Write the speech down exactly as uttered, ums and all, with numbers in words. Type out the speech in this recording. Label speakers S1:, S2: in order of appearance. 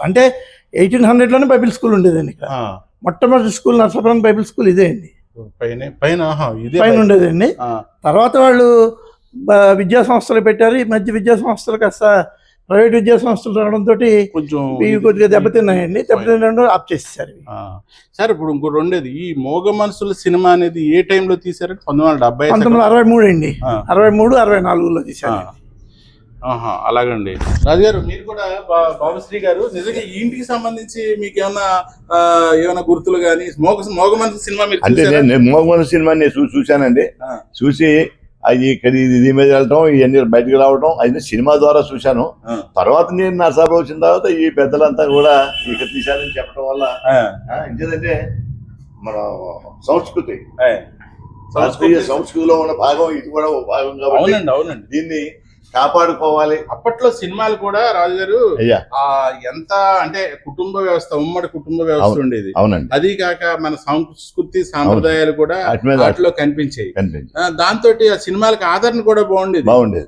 S1: అంటే eighteen హండ్రెడ్లోనే Bible school ఉండేదండి ఇక్కడ. మొట్టమొదటి స్కూల్ నర్సాపురం బైబిల్ స్కూల్ ఇదే అండి.
S2: పైన పైన
S1: పైన ఉండేదండి. తర్వాత వాళ్ళు విద్యా సంస్థలు పెట్టారు. ఈ మధ్య విద్యా సంస్థలు కాస్త ప్రైవేట్ విద్యా సంస్థలు రావడంతో
S2: కొంచెం
S1: ఇవి కొద్దిగా దెబ్బతిన్నాయండి. దెబ్బతిన్న ఆప్ చేసేసారు.
S2: సార్ ఇప్పుడు ఇంకోటి ఉండేది, ఈ మోగ మనసుల సినిమా అనేది ఏ టైంలో తీసారంటే పంతొమ్మిది వందల డెబ్బై
S1: పంతొమ్మిది వందల అరవై మూడు అండి. అరవై మూడు అరవై నాలుగులో తీసారు.
S2: అలాగండి. రాజుగారు మీరు కూడా బాబుశ్రీ గారు నిజంగా ఈ ఇంటికి సంబంధించి మీకు ఏమైనా ఏమైనా గుర్తులు కానీ మోగ మోగ మనసు సినిమా మీరు
S3: అంటే నేను మోగ మనసు సినిమా నేను చూసి చూశానండి. చూసి అది ఇక్కడ ఇది మీద వెళ్ళటం ఇవన్నీ బయటకు రావడం అది సినిమా ద్వారా చూశాను. తర్వాత నేను నా సభ వచ్చిన తర్వాత ఈ పెద్దలంతా కూడా ఇక్కడ తీశారని చెప్పడం వల్ల ఇంకేదంటే మన సంస్కృతి భారతీయ సంస్కృతిలో ఉన్న భాగం ఇది కూడా ఒక భాగం కాబట్టి
S2: అవునండి
S3: దీన్ని కాపాడుకోవాలి.
S2: అప్పట్లో సినిమాలు కూడా రాజుగారు ఎంత అంటే కుటుంబ వ్యవస్థ, ఉమ్మడి కుటుంబ వ్యవస్థ ఉండేది.
S3: అవునండి.
S2: అది కాక మన సంస్కృతి సాంప్రదాయాలు కూడా వాటిలో కనిపించాయి. దాంతో ఆ సినిమాలకు ఆదరణ కూడా బాగుండేది
S3: బాగుండేది